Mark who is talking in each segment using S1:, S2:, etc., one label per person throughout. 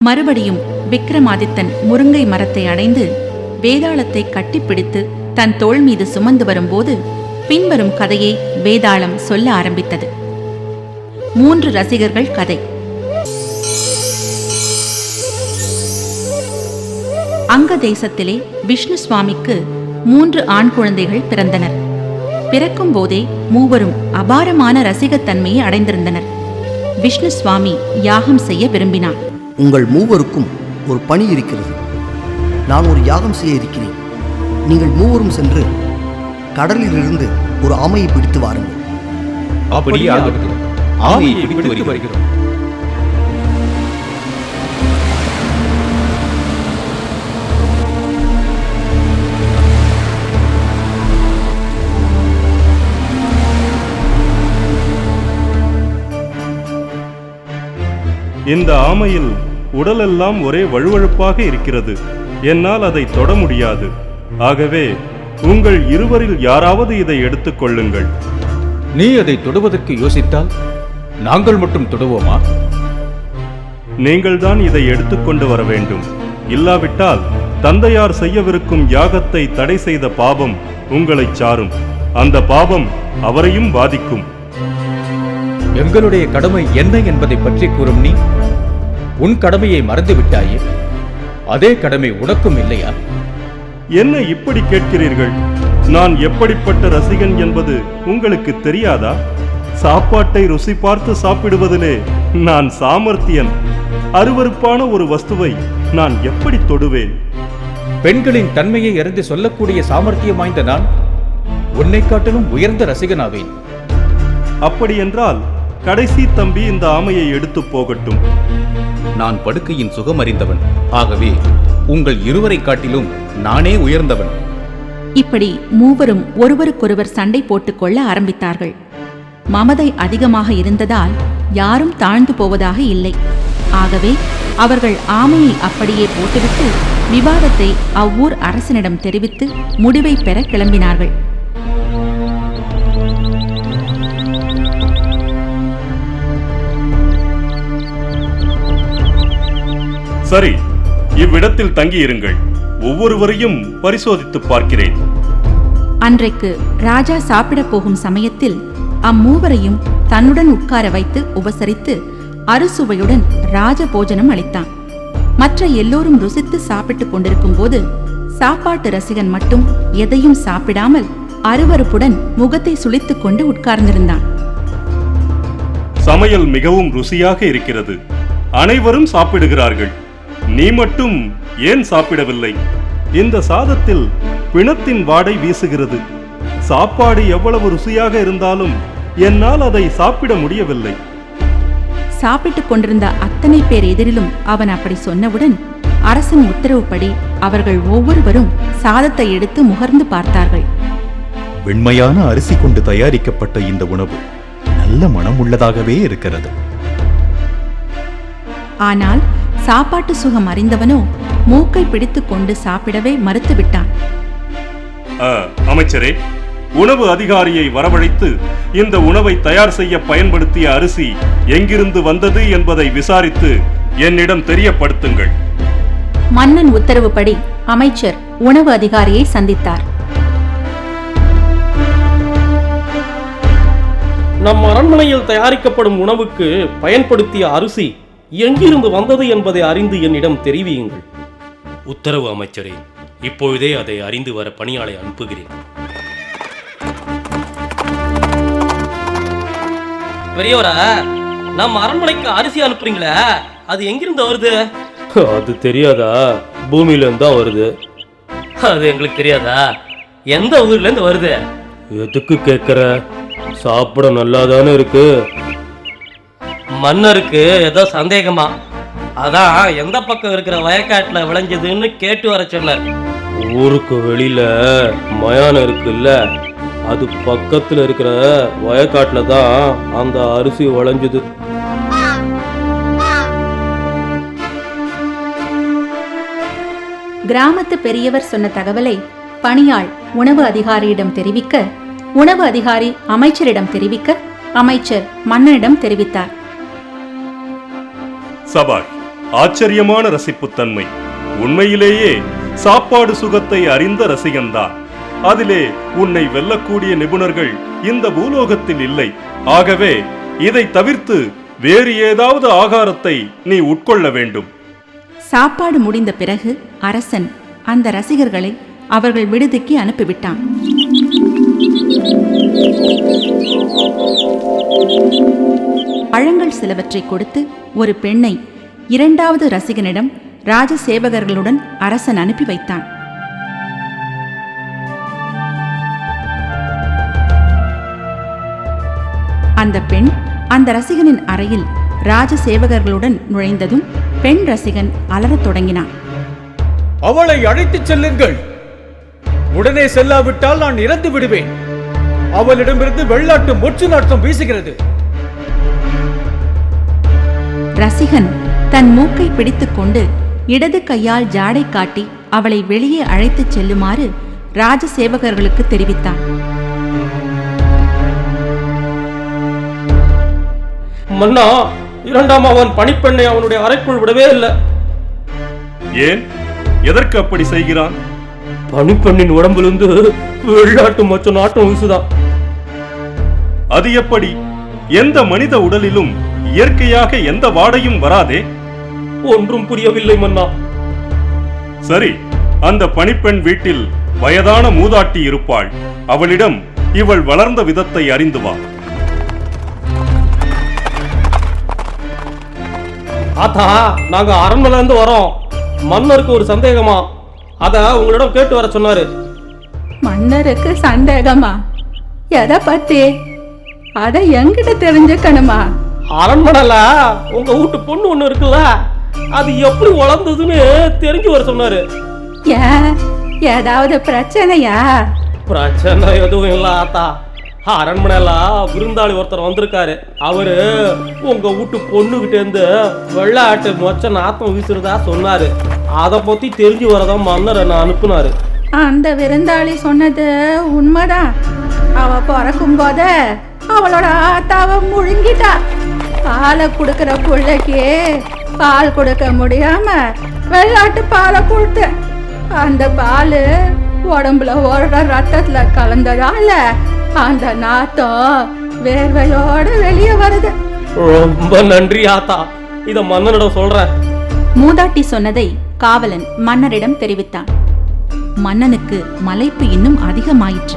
S1: மறுபடியும் விக்ரமாதித்தன் முருங்கை மரத்தை அடைந்து வேதாளத்தை கட்டிப்பிடித்து தன் தோள் மீது சுமந்து வரும்போது பின்வரும் கதையை வேதாளம் சொல்ல ஆரம்பித்தது. 3 ரசிகர்கள் கதை. அங்க தேசத்திலே விஷ்ணு சுவாமிக்கு 3 ஆண் குழந்தைகள் பிறந்தனர். பிறக்கும் போதே மூவரும் அபாரமான ரசிகத்தன்மையை அடைந்திருந்தனர். விஷ்ணு சுவாமி யாகம் செய்ய விரும்பினார்.
S2: உங்கள் மூவருக்கும் ஒரு பணி இருக்கிறது. நான் ஒரு யாகம் செய்ய இருக்கிறேன். நீங்கள் மூவரும் சென்று கடலில் இருந்து ஒரு ஆமையை பிடித்து வாருங்கள்.
S3: அப்படியே ஆகட்டும். ஆமையை பிடித்து வருகிறோம்.
S4: இந்த ஆமையில் உடலெல்லாம் ஒரே வழுவழுப்பாக இருக்கிறது. என்னால் அதை தொட முடியாது. ஆகவே உங்கள் இருவரில் யாராவது இதை எடுத்துக் கொள்ளுங்கள்.
S3: நீ அதை தொடுவதற்கு யோசித்தால் நாங்கள் மட்டும் தொடுவோமா?
S4: நீங்கள்தான் இதை எடுத்துக்கொண்டு வர வேண்டும். இல்லாவிட்டால் தந்தையார் செய்யவிருக்கும் யாகத்தை தடை செய்த பாபம் உங்களை சாரும். அந்த பாபம் அவரையும் பாதிக்கும்.
S3: எங்களுடைய கடமை என்ன என்பதை பற்றி கூறும் நீ உன் கடமையை மறந்து விட்டாயே. அதே கடமை உனக்கும் இல்லையா?
S4: என்ன இப்படி கேட்கிறீர்கள்? நான் எப்படிப்பட்ட ரசிகன் என்பது உங்களுக்கு தெரியாதா? சாப்பாட்டை ருசி பார்த்து சாப்பிடுவதிலே நான் சாமர்த்தியன். அருவருப்பான ஒரு வஸ்துவை நான் எப்படி தொடுவேன்?
S3: பெண்களின் தன்மையை அறிந்து சொல்லக்கூடிய சாமர்த்தியம் வாய்ந்த நான் உன்னை காட்டிலும் உயர்ந்த ரசிகனாவேன்.
S4: அப்படியென்றால் கடைசி தம்பி இந்த ஆமையை எடுத்து போகட்டும்.
S5: நான் படுக்கையின் சுகம் அறிந்தவன். ஆகவே உங்கள் இருவரை காட்டிலும் நானே உயர்ந்தவன்.
S1: இப்படி மூவரும் ஒருவருக்கொருவர் சண்டை போட்டுக்கொள்ள ஆரம்பித்தார்கள். மமதை அதிகமாக இருந்ததால் யாரும் தாழ்ந்து போவதாக இல்லை. ஆகவே அவர்கள் ஆமையை அப்படியே போட்டுவிட்டு விவாதத்தை அவ்வூர் அரசனிடம் தெரிவித்து முடிவை பெற கிளம்பினார்கள்.
S4: சரி, இவ்விடத்தில் தங்கியிருங்கள். ஒவ்வொருவரையும் பரிசோதித்து பார்க்கிறேன்.
S1: அன்றைக்கு ராஜா சாப்பிட போகும் சமயத்தில் அம்மூவரையும் தன்னுடன் உட்கார வைத்து உபசரித்து அறுசுவையுடன் ராஜபோஜனம் அளித்தான். மற்ற எல்லோரும் ருசித்து சாப்பிட்டுக் கொண்டிருக்கும் போது சாப்பாட்டு ரசிகன் மட்டும் எதையும் சாப்பிடாமல் அருவருப்புடன் முகத்தை சுளித்துக் கொண்டு உட்கார்ந்திருந்தான்.
S4: சமையல் மிகவும் ருசியாக இருக்கிறது. அனைவரும் சாப்பிடுகிறார்கள். நீ மட்டும் ஏன் சாப்பிடவில்லை? இந்த சாதத்தில் பிணத்தின் வாடை வீசுகிறது. சாப்பாடு எவ்வளவு ருசியாக இருந்தாலும் என்னால் அதை சாப்பிட முடியவில்லை.
S1: சாப்பிட்டுக் கொண்டிருந்த அத்தனை பேர் எதிரிலும் அவன் அப்படி சொன்னவுடன் அரசன் உத்தரவுப்படி அவர்கள் ஒவ்வொருவரும் சாதத்தை எடுத்து முகர்ந்து பார்த்தார்கள்.
S6: வெண்மையான அரிசி கொண்டு தயாரிக்கப்பட்ட இந்த உணவு நல்ல மனம் உள்ளதாகவே இருக்கிறது.
S1: ஆனால் சாப்பாட்டு சுகம் அறிந்தவனோ மூக்கை பிடித்துக் கொண்டு சாப்பிடவே மறுத்துவிட்டான்.
S4: அமைச்சரே, உணவு அதிகாரியை வரவழைத்து இந்த உணவை தயார் செய்ய பயன்படுத்திய அரிசி எங்கிருந்து வந்தது என்பதை விசாரித்து என்னிடம் தெரியப்படுத்துங்கள்.
S1: மன்னன் உத்தரவுப்படி அமைச்சர் உணவு அதிகாரியை சந்தித்தார்.
S7: நம் அரண்மனையில் தயாரிக்கப்படும் உணவுக்கு பயன்படுத்திய அரிசி எங்கிருந்து வந்தது என்பதை அறிந்து என்னிடம் தெரிவியுங்கள்.
S8: உத்தரவு அமைச்சரே. இப்பொழுதே அதை அறிந்து வர பணியாளை அனுப்புகிறேன்.
S7: பெரியவரா, நம்ம அரண்மனைக்கு அரிசி அனுப்புறீங்களே, அது எங்கிருந்து வருது?
S8: அது தெரியாதா? பூமியில இருந்தா வருது.
S7: அது எங்களுக்கு தெரியாதா? எந்த ஊர்ல இருந்து வருது?
S8: எதுக்கு கேட்கற? சாப்பிட நல்லாதானே இருக்கு.
S7: மன்னருக்கு ஏதோ சந்தேகமா, அதான் எந்த பக்கம் இருக்கிற வயக்காட்டுல விளைஞ்சதுன்னு கேட்டு வர சொன்னார்.
S8: ஊருக்கு வெளியில மயானம் இருக்குல்ல, அது பக்கத்துல இருக்கிற வயக்காட்டுல தான் அந்த அரிசி விளைஞ்சது.
S1: கிராமத்து பெரியவர் சொன்ன தகவலை பணியாள் உணவு அதிகாரியிடம் தெரிவிக்க, உணவு அதிகாரி அமைச்சரிடம் தெரிவிக்க, அமைச்சர் மன்னனிடம் தெரிவித்தார்.
S4: சபாஷ், ஆச்சரியமான ரசிப்புத்தன்மை. உண்மையிலேயே சாப்பாடு சுகத்தை அறிந்த ரசிகன்தான். அதிலே உன்னை வெல்லக்கூடிய நிபுணர்கள் இந்த பூலோகத்தில் இல்லை. ஆகவே இதை தவிர்த்து வேறு ஏதாவது ஆகாரத்தை நீ உட்கொள்ள வேண்டும்.
S1: சாப்பாடு முடிந்த பிறகு அரசன் அந்த ரசிகர்களை அவர்கள் விடுதிக்கு அனுப்பிவிட்டான். பழங்கள் சிலவற்றை கொடுத்து ஒரு பெண்ணை இரண்டாவது ரசிகனிடம் ராஜ சேவகர்களுடன் அரசன் அனுப்பி வைத்தான். அந்த பெண் அந்த ரசிகனின் அறையில் ராஜ சேவகர்களுடன் நுழைந்ததும் பெண் ரசிகன் அலறத் தொடங்கினான்.
S3: அவளை அழைத்துச் செல்லுங்கள். உடனே செல்லாவிட்டால் நான் இறந்து விடுவேன். அவளிடமிருந்து வெள்ளாட்டு மொச்சு நாட்டம் வீசுகிறது.
S1: ரசிகன் தன் மூக்கை பிடித்துக்கொண்டு இடது கையால் ஜாடை காட்டி அவளை வெளியே அழைத்துச் செல்லுமாறு ராஜ சேவகர்களுக்கு தெரிவித்தான்.
S7: மன்னா, இரண்டாம் அவன் பணிப்பெண்ணை அவனுடைய அறைக்குள் விடவே இல்லை.
S4: ஏன்? எதற்கு அப்படி செய்கிறான்?
S7: பணிப்பெண்ணின் உடம்பிலிருந்து வெள்ளாட்டு மொச்ச நாட்டம் வீசுதான்.
S4: அது எப்படி? எந்த மனித உடலிலும் இயற்கையாக எந்த வாடையும் வராதே.
S7: ஒன்றும் புரியவில்லை மன்னா.
S4: சரி, அந்த பணிப்பெண் வீட்டில் வயதான மூதாட்டி இருப்பாள். அவளிடம் இவள் வளர்ந்த விதத்தை அறிந்து வா.
S7: ஆத்தா, நாங்க அரண்மனையில இருந்து வரோம். மன்னருக்கு ஒரு சந்தேகமா, அத உங்களிடம் கேட்டு வர சொன்னாரு.
S1: மன்னருக்கு சந்தேகமா? எதை பத்தி? அத என்கிட்ட தெரிஞ்சுக்கணுமா?
S7: அரண்மனையில உங்க வீட்டு பொண்ணு ஒண்ணு இருக்குல்ல, அது எப்படி வளர்ந்ததுன்னு தெரிஞ்சு வர சொன்னாரு.
S1: ஏன், ஏதாவது பிரச்சனையா?
S7: பிரச்சனை எதுவும் இல்ல ஆத்தா. அரண்மனையில விருந்தாளி ஒருத்தர் வந்திருக்காரு. அவரு உங்க வீட்டு பொண்ணுகிட்ட இருந்து வெள்ளாட்டு மொச்ச நாத்தம் வீசுறதா சொன்னாரு. அத பத்தி தெரிஞ்சு வரதான் மன்னர் என்ன அனுப்புனாரு.
S1: அந்த விருந்தாளி சொன்னது உண்மைதான். அவ பிறக்கும் போத அவளோட ஆத்தாவை முழுங்கிட்டா. பாலை கொடுக்கிற பிள்ளைக்கு பால் கொடுக்க முடியாம வெள்ளாட்டு பாலை கொடுத்த. அந்த பால் உடம்புல ஓடுற ரத்தத்துல கலந்ததால அந்த நாத்தம் வேர்வையோட வெளியே வருது.
S7: ரொம்ப நன்றி ஆத்தா, இத மன்னனிடம் சொல்றேன்.
S1: மூதாட்டி சொன்னதை காவலன் மன்னரிடம் தெரிவித்தான். மன்னனுக்கு மலைப்பு இன்னும் அதிகமாயிற்று.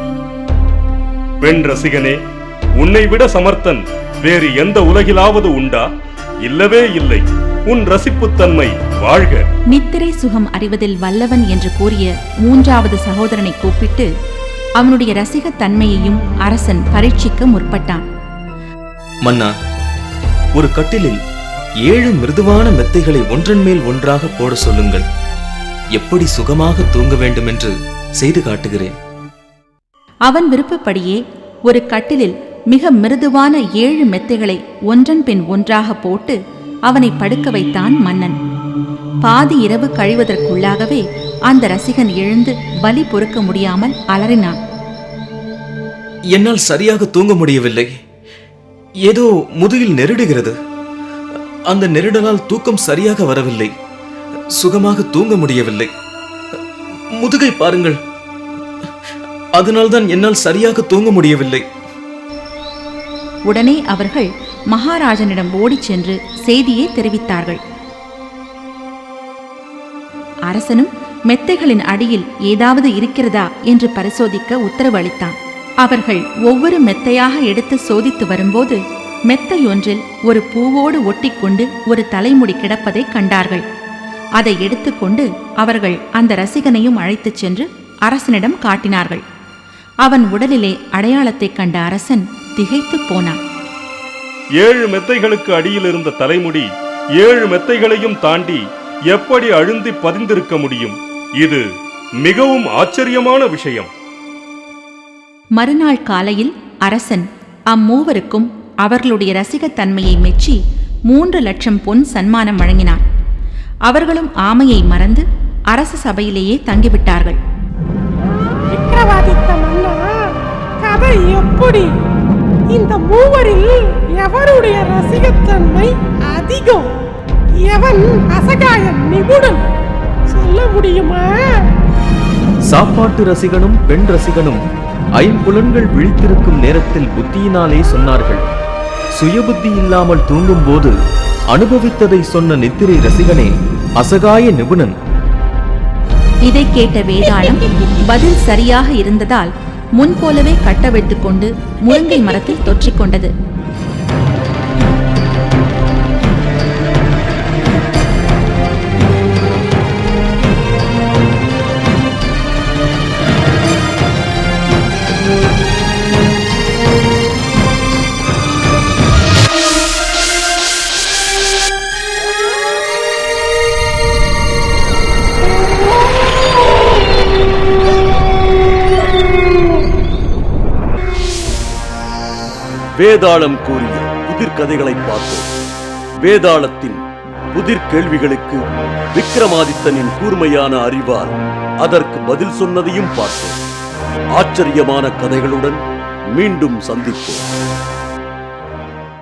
S4: பெண் ரசிகனே, உன்னை விட சமர்த்தன் வேறு எந்த உலகிலாவது உண்டா? இல்லவே இல்லை. உன் ரசிப்புத்தன்மை வாழ்க.
S1: நித்திரை சுகம் அறிவதில் வல்லவன் என்று கூறிய மூன்றாவது சகோதரனை கூப்பிட்டு அவனுடைய ரசிகத்தன்மையையும் அரசன் பரீட்சிக்க முற்பட்டான்.
S9: மன்னா, ஒரு கட்டிலில் 7 மிருதுவான மெத்தைகளை ஒன்றன் மேல் ஒன்றாக போட சொல்லுங்கள். எப்படி சுகமாக தூங்க வேண்டும் என்று செய்து காட்டுகிறேன்.
S1: அவன் விருப்பப்படியே ஒரு கட்டிலில் மிக மிருதுவான 7 மெத்தைகளை ஒன்றன் பின் ஒன்றாக போட்டு அவனை படுக்க வைத்தான் மன்னன். பாதி இரவு கழிவதற்குள்ளாகவே அந்த ரசிகன் எழுந்து வலி பொறுக்க முடியாமல் அலறினான்.
S9: என்னால் சரியாக தூங்க முடியவில்லை. ஏதோ முதுகில் நெருடுகிறது. அந்த நெருடலால் தூக்கம் சரியாக வரவில்லை. சுகமாக தூங்க முடியவில்லை. முதுகை பாருங்கள். அதனால்தான் என்னால் சரியாக தூங்க முடியவில்லை.
S1: உடனே அவர்கள் மகாராஜனிடம் ஓடிச் சென்று செய்தியை தெரிவித்தார்கள். அரசனும் மெத்தைகளின் அடியில் ஏதாவது இருக்கிறதா என்று பரிசோதிக்க உத்தரவு அளித்தான். அவர்கள் ஒவ்வொரு மெத்தையாக எடுத்து சோதித்து வரும்போது மெத்தையொன்றில் ஒரு பூவோடு ஒட்டிக்கொண்டு ஒரு தலைமுடி கிடப்பதை கண்டார்கள். அதை எடுத்துக்கொண்டு அவர்கள் அந்த ரசிகனையும் அழைத்துச் சென்று அரசனிடம் காட்டினார்கள். அவன் உடலிலே அடையாளத்தை கண்ட அரசன் திகைத்து போனான்.
S4: 7 மெத்தைகளுக்கு அடியில் இருந்த தலைமுடி 7 மெத்தைகளையும் தாண்டி எப்படி அழுந்தி பதிந்திருக்க முடியும்? இது மிகவும் ஆச்சரியமான விஷயம்.
S1: மறுநாள் காலையில் அரசன் அம்மூவருக்கும் அவர்களுடைய ரசிகத்தன்மையை மெச்சி 3 லட்சம் பொன் சன்மானம் வழங்கினார். அவர்களும் ஆமையை மறந்து அரச சபையிலேயே தங்கிவிட்டார்கள்.
S10: விக்ரமாதித்த மன்னா, கதை எப்படி? இந்த மூவரில் எவருடைய ரசிகத்தன்மை அதிகம்? எவன் அசகாய நிபுணன் சொல்ல முடியுமா?
S9: சாப்பாட்டு ரசிகனும் பெண் ரசிகனும் ஐம்புலன்கள் விழித்திருக்கும் நேரத்தில் புத்தியினாலே சொன்னார்கள். சுயபுத்தி இல்லாமல் தூங்கும் போது அனுபவித்ததை சொன்ன நித்திரை ரசிகனே அசகாய நிபுணன்.
S1: இதை கேட்ட வேதாளம் பதில் சரியாக இருந்ததால் முன்போலவே கட்டவிழ்த்துக் கொண்டு முருங்கை மரத்தில் தொற்றிக் கொண்டது.
S11: வேதாளம் கூறிய புதிர் கதைகளை பார்த்தோம். வேதாளத்தின் புதிர் கேள்விகளுக்கு விக்ரமாதித்தனின் கூர்மையான அறிவால் அதற்கு பதில் சொன்னதையும் பார்த்தோம். ஆச்சரியமான கதைகளுடன் மீண்டும் சந்திப்போம்.